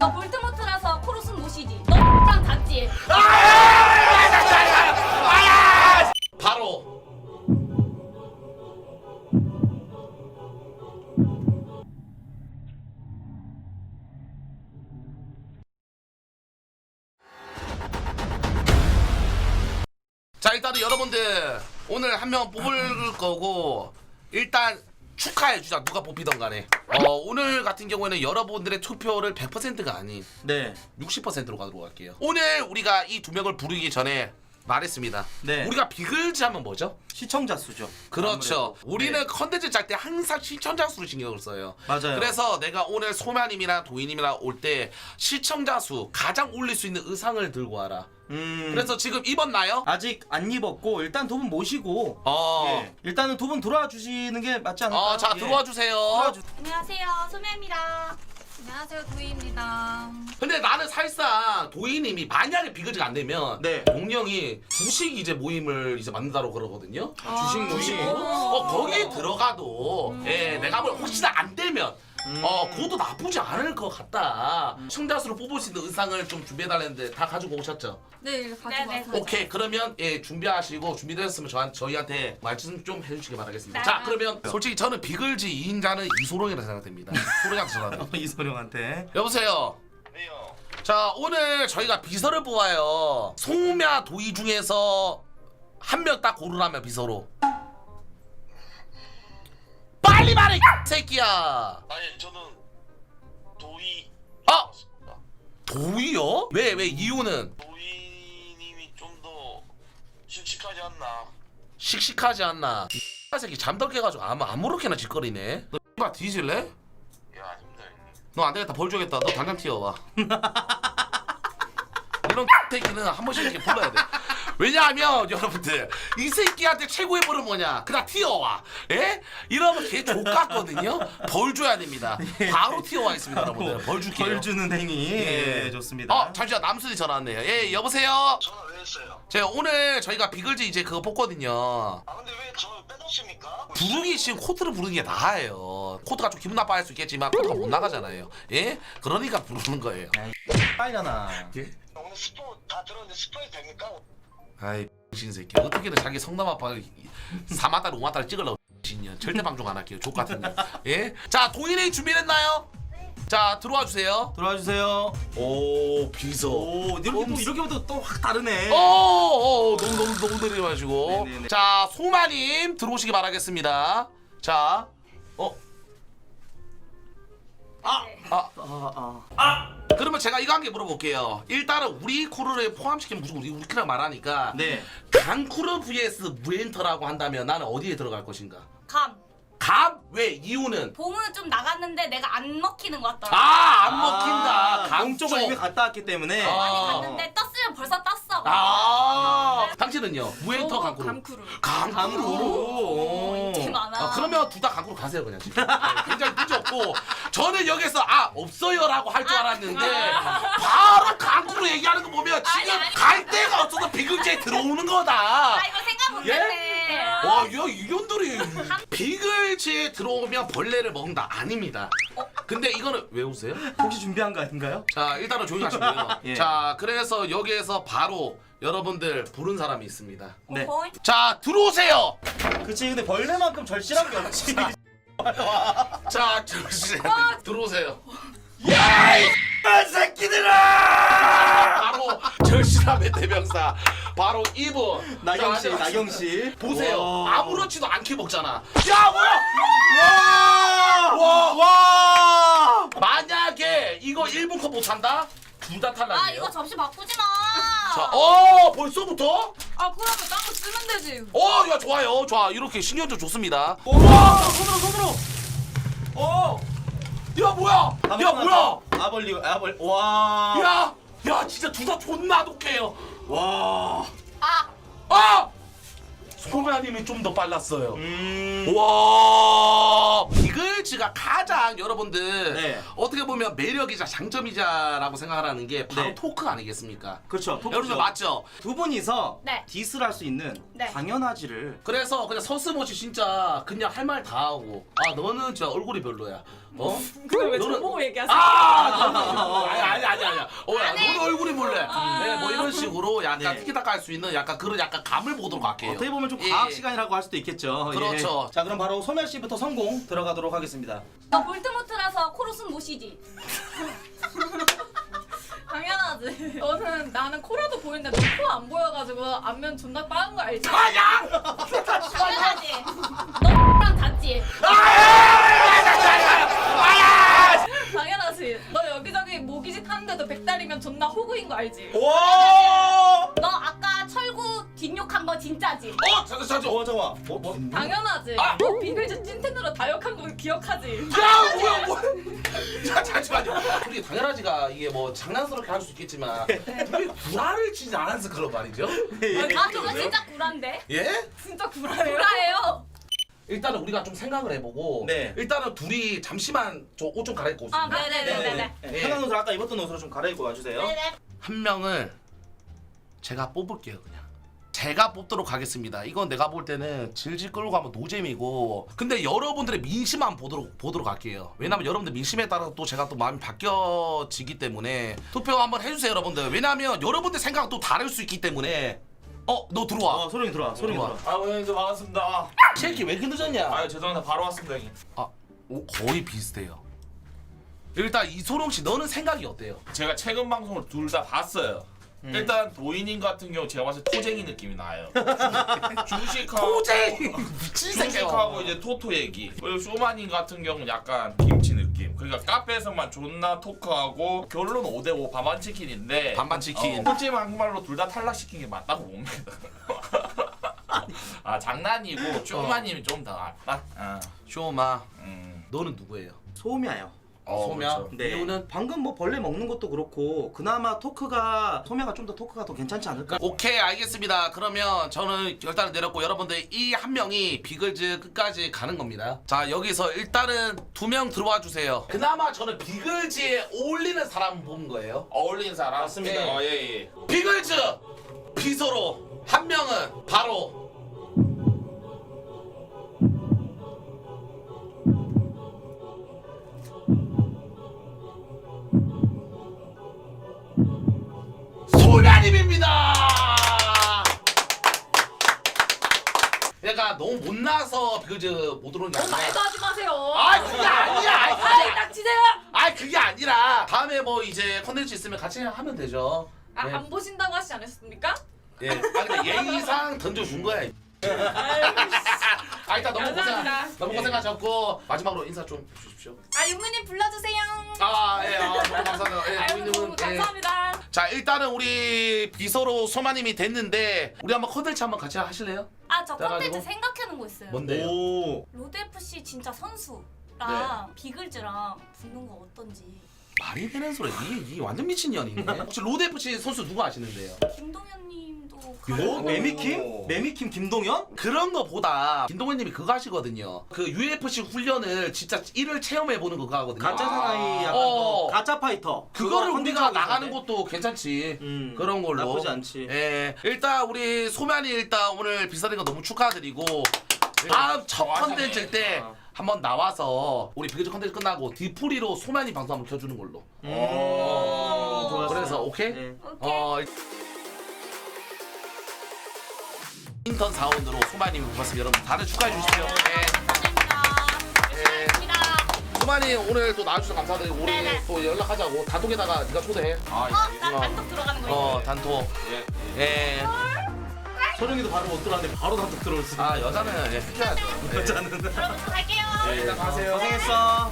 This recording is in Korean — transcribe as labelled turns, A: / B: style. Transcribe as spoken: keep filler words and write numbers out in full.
A: 너 볼트모트라서 코로스 못이지. 너랑 닿지.
B: 바로 자, 일단은 여러분들 오늘 한 명 뽑을 거고 일단 축하해주자. 누가 뽑히던 간에 어, 오늘 같은 경우에는 여러분들의 투표를 백 퍼센트가 아닌
C: 네.
B: 육십 퍼센트로 가도록 할게요. 오늘 우리가 이 두 명을 부르기 전에 말했습니다.
C: 네.
B: 우리가 비글즈 하면 뭐죠?
C: 시청자 수죠.
B: 그렇죠.
C: 아무래도.
B: 우리는
C: 네.
B: 컨텐츠 짤 때 항상 시청자 수를 신경을 써요.
C: 맞아요.
B: 그래서 내가 오늘 소마님이랑 도희님이랑 올 때 시청자 수 가장 올릴 수 있는 의상을 들고 와라.
C: 음.
B: 그래서 지금 입었나요?
C: 아직 안 입었고 일단 두 분 모시고
B: 어.
C: 예. 일단은 두 분 들어와 주시는 게 맞지 않을까요?
B: 어, 자
C: 예.
B: 들어와 주세요.
C: 들어와 주...
A: 안녕하세요, 소매입니다. 안녕하세요, 도희입니다.
B: 근데 나는 사실상 도희님이 만약에 비글즈가 안 되면
C: 네.
B: 동령이 주식 이제 모임을 이제 만든다고 그러거든요.
C: 주식 모임.
B: 어 거기 들어가도 예 내가 뭐 혹시나 안 되면
C: 음.
B: 어 그것도 나쁘지 않을 것 같다. 시청자수로 뽑을 수 있는 의상을 좀 준비해달랬는데 다 가지고 오셨죠?
D: 네, 가지고
A: 네네.
D: 왔어요.
B: 오케이 그러면 예 준비하시고 준비되셨으면 저한 저희한테 말씀 좀 해주시기 바라겠습니다.
A: 네.
B: 자 그러면 솔직히 저는 비글즈 이 인자는 이소룡이라 생각됩니다. 소룡한테 전화.
C: 이소룡한테.
B: 여보세요.
E: 네요.
B: 자 오늘 저희가 비서를 뽑아요. 소음야 도희 중에서 한 명 딱 고르라면 비서로. 빨리 말해 이 새끼야.
E: 아니 저는 도희.
B: 아 도희요? 왜 왜 이유는
E: 도희님이 좀 더 씩씩하지 않나.
B: 씩씩하지 않나. 이 새끼 잠들 깨가지고 아무 아무렇게나 짓거리네. 너 X발 뒤질래?
E: 예 아닙니다 형님.
B: 너 안 되겠다 벌 주겠다. 너 당장 튀어와. 이런 새끼는 한 번씩 이렇게 불러야 돼. 왜냐하면 여러분들 이 새끼한테 최고의 벌은 뭐냐? 그냥 튀어와. 예? 이러면 걔 족같거든요. 벌 줘야 됩니다. 바로 튀어와 있습니다, 여러분들. 벌 줄게요.
C: 벌 주는 행위.
B: 예.
C: 예, 좋습니다.
B: 어 잠시만 남순이 전화 왔네요. 예 여보세요.
E: 전화 왜 했어요?
B: 제가 오늘 저희가 비글즈 이제 그거 뽑거든요.
E: 아 근데 왜 저 빼놓습니까?
B: 부르기 지금 코트를 부르는 게 나아요. 코트가 좀 기분 나빠할 수 있겠지만 코트가 못 나가잖아요. 예? 그러니까 부르는 거예요.
C: 빨이잖아.
B: 예?
E: 오늘 스포 다 들었는데 스포해도 됩니까?
B: 아이 신 새끼 어떻게든 자기 성남 아빠 사마달 오마달 찍으려고 신년 절대 방송 안 할게요. 족 같은 년. 예? 자 동일이 준비됐나요? 자 들어와 주세요.
C: 들어와 주세요.
B: 오 비서.
C: 오, 이렇게 또 이렇게부터 또 확 다르네.
B: 오, 오 너무 너무 너무 내려가지고.
C: 네네네.
B: 자 소마님 들어오시기 바라겠습니다. 자 어. 아, 아,
C: 아, 아.
B: 그러면 제가 이거 한 개 물어볼게요. 일단은 우리 쿠르를 포함시키면 무조건 우리 우리끼리 말하니까
C: 네.
B: 강쿠르 vs 무엔터라고 한다면 나는 어디에 들어갈 것인가?
A: 감.
B: 감? 왜? 이유는?
A: 봄은 좀 나갔는데 내가 안 먹히는 것 같더라.
B: 아, 안 먹힌다. 감
C: 공 쪽을
B: 쪽.
C: 이미 갔다 왔기 때문에.
B: 아.
A: 많이 갔는데 떴으면 벌써 떴어.
B: 아, 당신은요? 무엔터
D: 오,
B: 강쿠르.
D: 감쿠르.
B: 강쿠르.
C: 강쿠르.
A: 오, 인기 많아.
B: 아, 그러면 둘 다 강쿠르 가세요 그냥 지금. 네, 굉장히 문제 없고 저는 여기서 아 없어요라고 할 줄 알았는데 바로 강쿠르 얘기하는 거 보면 지금
A: 아니, 아니.
B: 갈 데가 없어서 비글즈에 들어오는 거다.
A: 아 이거 생각 못했네.
B: 와, 야, 이년들이 비글즈에 들어오면 벌레를 먹는다. 아닙니다. 근데 이거는 왜 웃으세요?
C: 혹시 준비한 거 아닌가요?
B: 자, 일단은 조용히 하시고요.
C: 예.
B: 자, 그래서 여기에서 바로 여러분들 부른 사람이 있습니다.
C: 네.
A: 어,
B: 자, 들어오세요.
C: 그치, 근데 벌레만큼 절실한 게 없지.
B: 자, 잠시만 들어오세요. 야, 이 새끼들아! 바로 절실함의 대명사. 바로 이분.
C: 나경 씨,
B: 자,
C: 나경 씨.
B: 보세요.
C: 와.
B: 아무렇지도 않게 먹잖아. 야, 뭐야?
C: 와! 와! 와!
B: 만약에 이거 일 분 컷 못한다? 둘 다
A: 아
B: 탈락이에요.
A: 이거 접시 바꾸지 마.
B: 자, 어 벌써부터?
D: 아, 그러면 딴 거 쓰면 되지.
B: 어, 야 좋아요. 좋아. 이렇게 신경전 좋습니다.
C: 와! 손으로 손으로. 어!
B: 야 뭐야? 야 뭐야?
C: 아벌리 아벌 와!
B: 야, 야 진짜 둘 다 존나 독해요.
C: 와!
A: 아
B: 아! 소매님이 좀 더 빨랐어요.
C: 음.
B: 와, 비글즈가 가장 여러분들
C: 네.
B: 어떻게 보면 매력이자 장점이자라고 생각하는 게 바로
C: 네.
B: 토크 아니겠습니까?
C: 그렇죠.
B: 여러분들 맞죠?
C: 두 분이서
A: 네.
C: 디스를 할 수 있는
A: 네.
C: 당연하지를.
B: 그래서 그냥 서슴없이 진짜 그냥 할 말 다 하고 아 너는 진짜 얼굴이 별로야. 어?
D: 그걸 왜
B: 너는-
D: 저보고 얘기하세요?
B: 아, 너는 아니, 아니 잠깐만요. 어야
A: 안 해.
B: 너도 얼굴이 몰래. 네, 뭐 이런 식으로 약간
C: 네.
B: 티키타카 할 수 있는 약간 그런 약간 감을 보도록 할게요.
C: 어떻게 보면 좀
B: 예.
C: 과학 시간이라고 할 수도 있겠죠.
B: 그렇죠.
C: 예. 자 그럼 바로 소멸 씨부터 성공 들어가도록 하겠습니다.
A: 너 볼트모트라서 코로스 못 쉬지.
D: 당연하지. 너는 나는 코라도 보이는데 너 코 안 보여가지고 안면 존나 빠른 거 알지?
B: 아야!
A: 당연하지. 너랑 잤지.
D: 당연하지. 너 여기저기 모기짓 하는데도 백달이면 존나 호구인 거 알지?
C: 오!
A: 너 아까 철구 뒷욕한 거 진짜지.
B: 어 잠깐 잠깐.
C: 어 잠깐만. 뭐 뭐?
D: 당연하지.
B: 아!
D: 너 비글즈 찐텐으로 다역한 거 기억하지?
B: 야 뭐야 뭐야. 자 잠시만요. 우리 당연하지가 이게 뭐 장난스럽게 할 수 있겠지만 분명히 구라를 치지 않아서 그런 말이죠.
A: 아 그거 진짜 구란데.
B: 예?
D: 진짜 구라예요.
A: 구라예요.
B: 일단은 우리가 좀 생각을 해보고
C: 네.
B: 일단은 둘이 잠시만 저 옷 좀 갈아입고
A: 아
B: 오겠습니다.
A: 네네네네.
C: 네.
B: 예.
C: 편한 옷을 아까 입었던 옷으로 좀 갈아입고 와주세요.
A: 네네.
B: 한 명을 제가 뽑을게요 그냥. 제가 뽑도록 하겠습니다. 이건 내가 볼 때는 질질 끌고 가면 노잼이고 근데 여러분들의 민심만 보도록 보도록 할게요. 왜냐면 여러분들 민심에 따라서 또 제가 또 마음이 바뀌어지기 때문에 투표 한번 해주세요 여러분들. 왜냐면 여러분들 생각은 또 다를 수 있기 때문에 어 너 들어와.
C: 어 소룡이 들어와. 소룡이
B: 들어와.
C: 들어와.
F: 아 형님 반갑습니다.
B: 쉐이키 왜 이렇게 늦었냐?
F: 아 죄송합니다. 바로 왔습니다 형님.
B: 아 오, 거의 비슷해요. 일단 이소룡 씨 너는 생각이 어때요?
F: 제가 최근 방송을 둘 다 봤어요.
C: 음.
F: 일단 도인님 같은 경우 제가 봤을 때 토쟁이 느낌이 나요. 주식하고
B: 토쟁이 미친 새끼야.
F: 주식하고 이제 토토 얘기. 그리고 쇼마님 같은 경우는 약간 김치 느낌. 그러니까 카페에서만 존나 토크하고 결론 오 대 오 반반 치킨인데
B: 반반 치킨.
F: 어, 솔직히 막말로 둘 다 탈락시킨 게 맞다고 봅니다. 아 장난이고 쇼마님이 좀 더 낫다. 아,
B: 쇼마
F: 음.
B: 너는 누구예요?
C: 소미야요.
B: 어, 소미야.
F: 그렇죠.
C: 네.
B: 이유는
C: 방금 뭐 벌레 먹는 것도 그렇고 그나마 토크가 소미야가 좀 더 토크가 더 괜찮지 않을까?
B: 오케이 알겠습니다. 그러면 저는 결단을 내렸고 여러분들 이 한 명이 비글즈 끝까지 가는 겁니다. 자 여기서 일단은 두 명 들어와 주세요. 그나마 저는 비글즈에 어울리는 사람 본 거예요.
F: 어울리는 사람
C: 맞습니다.
B: 네.
F: 어, 예, 예.
B: 비글즈 비서로 한 명은 바로 소녀님입니다. 얘가 너무 못나서 비글즈 못 들어오는 게 아니라
D: 말도 하지 마세요.
B: 아 그게 아니야. 아이, 그게
D: 아이 닥치세요.
B: 아 그게 아니라 다음에 뭐 이제 컨텐츠 있으면 같이 하면 되죠.
D: 아,
B: 예.
D: 안 보신다고 하시지 않았습니까?
B: 예. 아 근데 예의상 던져준 거야. 아 일단 너무 고생
D: 감사합니다.
B: 너무 고생하셨고 마지막으로 인사 좀 해주십시오.
D: 아 윤무님 불러주세요.
B: 아 예, 아, 너무 감사합니다. 예,
D: 아유
B: 고객님은,
D: 너무
B: 예.
D: 감사합니다.
B: 자 일단은 우리 비서로 소마님이 됐는데 우리 한번 컨텐츠 한번 같이 하실래요?
A: 아 저
B: 그래가지고?
A: 콘텐츠 생각해놓은 거 있어요.
B: 뭔데요?
C: 오.
A: 로드 에프씨 진짜 선수랑
B: 네.
A: 비글즈랑 붙는 거 어떤지.
B: 말이 되는 소리. 이, 이 완전 미친 년이네. 혹시 로드 에프씨 선수 누구 아시는데요?
A: 김동현님도
C: 뭐?
A: 가요.
C: 매미킴? 매미킴 김동현?
B: 그런 거보다 김동현님이 그거 하시거든요. 그 유에프씨 훈련을 진짜 일을 체험해 보는 그거 하거든요.
C: 가짜 사나이 약간
B: 어.
C: 뭐 가짜 파이터.
B: 그거를
C: 그거
B: 우리가
C: 컨텐츠하고
B: 나가는
C: 있던데?
B: 것도 괜찮지.
C: 음,
B: 그런 걸로.
C: 나쁘지 않지.
B: 예. 일단 우리 소면이 일단 오늘 비서된 거 너무 축하드리고 다음 첫
F: 와사네.
B: 컨텐츠 때
C: 어.
B: 한번 나와서 우리 비글즈 컨텐츠 끝나고 디프리로 소면이 방송 한번 켜주는 걸로.
C: 음,
B: 어.
C: 좋았어요.
B: 그래서 오케이?
C: 네.
A: 오케이.
B: 어. 인턴 사원으로 소만님이 뽑았습니다. 여러분 다들 축하해 주십시오. 예.
A: 감사합니다.
B: 예.
A: 감사합니다.
B: 소만이 오늘 또 나와주셔서 감사드리고 우리
A: 네네.
B: 또 연락하자고 단톡에다가 네가 초대해.
F: 아,
A: 어?
F: 예,
A: 나
B: 어.
A: 단독 들어가는 거
B: 어
A: 있어.
B: 단톡.
F: 예, 예.
B: 예.
C: 소룡이도 바로 못 들어왔는데 바로 단톡 들어올 수.
B: 아 여자는 예 해줘야죠. 예.
C: 여자는.
A: 여러분 갈게요.
B: 예.
F: 일단 가세요.
C: 고생했어.